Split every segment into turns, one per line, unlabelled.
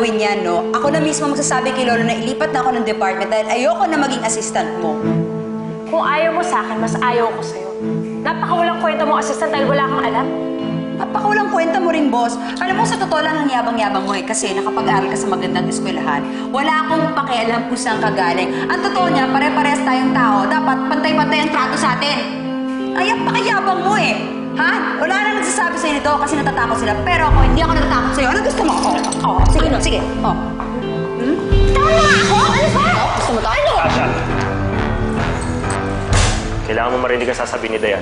gagawin yan, no? Ako na mismo magsasabi kay Lolo na ilipat na ako ng department dahil ayoko na maging assistant mo.
Kung ayaw mo sa akin, mas ayaw ko sa'yo. Napakawalang kwenta mo, assistant, dahil wala kang alam.
Napakawalang kwenta mo rin, boss. Alam mo, sa totoo lang ang yabang-yabang mo eh, kasi nakapag-aral ka sa magandang eskwelahan. Wala akong pakialam kung saan ka galing. Ang totoo niya, pare-parehas tayong tao. Dapat pantay-pantay ang trato sa atin. Ay, ang pakiyabang mo eh. Ha? Wala na nagsasabi sa'yo nito kasi natatakot sila. Pero ako, hindi ako natatakot sa'yo. Ano gusto mo? Oo, sige, sige. Oh.
Tama ako! Ano ba?
Gusto mo to? Ano?
Tasha! Kailangan mo marinig ang sasabihin ni Dayan.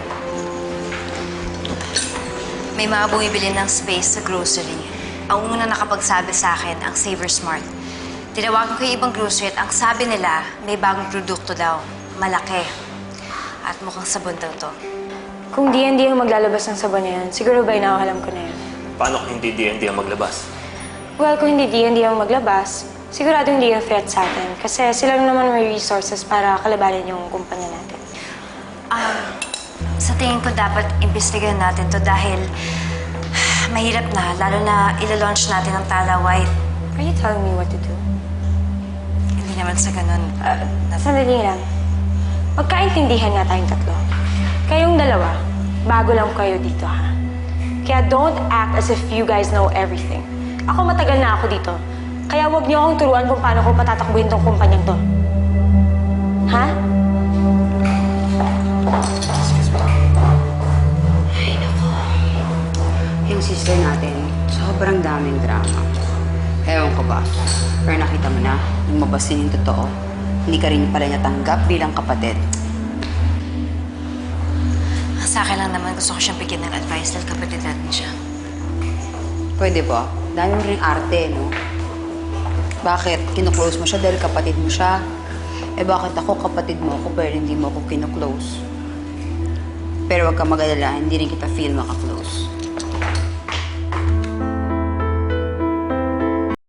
May mga bumibili ng space sa grocery. Ang una nakapagsabi sa akin, ang Saver Smart. Tinawagan ko yung ibang grocery at ang sabi nila, may bagong produkto daw. Malaki. At mukhang sabon daw to.
Kung D&D ang maglalabas ng sabon na yan, siguro ba inakalam ko na yan?
Paano kung hindi D&D ang maglabas?
Well, kung hindi D&D ang maglabas, sigurado hindi yung threat sa atin. Kasi sila naman may resources para kalabanin yung kumpanya natin.
Sa tingin ko dapat imbestigahan natin to dahil mahirap na, lalo na ila-launch natin ang Tala White.
Are you telling me what to do?
Hindi naman sa ganun.
Sandali lang. Magkaintindihan nga tayong tatlo. Kayong dalawa, bago lang kayo dito, ha? Kaya don't act as if you guys know everything. Ako matagal na ako dito. Kaya huwag niyo akong turuan kung paano ko patatakbuhin tong kumpanyang to. Ha?
Ay, naku. Yung sister natin, sobrang daming drama. Ewan ko ba, pero nakita mo na, lumabas din yung totoo. Hindi ka rin pala natanggap bilang kapatid.
Sa akin lang naman gusto ko siyang bigyan ng advice dahil kapatid natin siya.
Pwede ba? Dami mo rin arte, no? Bakit? Kinuklose mo siya dahil kapatid mo siya. Eh bakit ako kapatid mo ako pero hindi mo ako kinuklose? Pero wag ka mag-alala, hindi rin kita feel makaklose.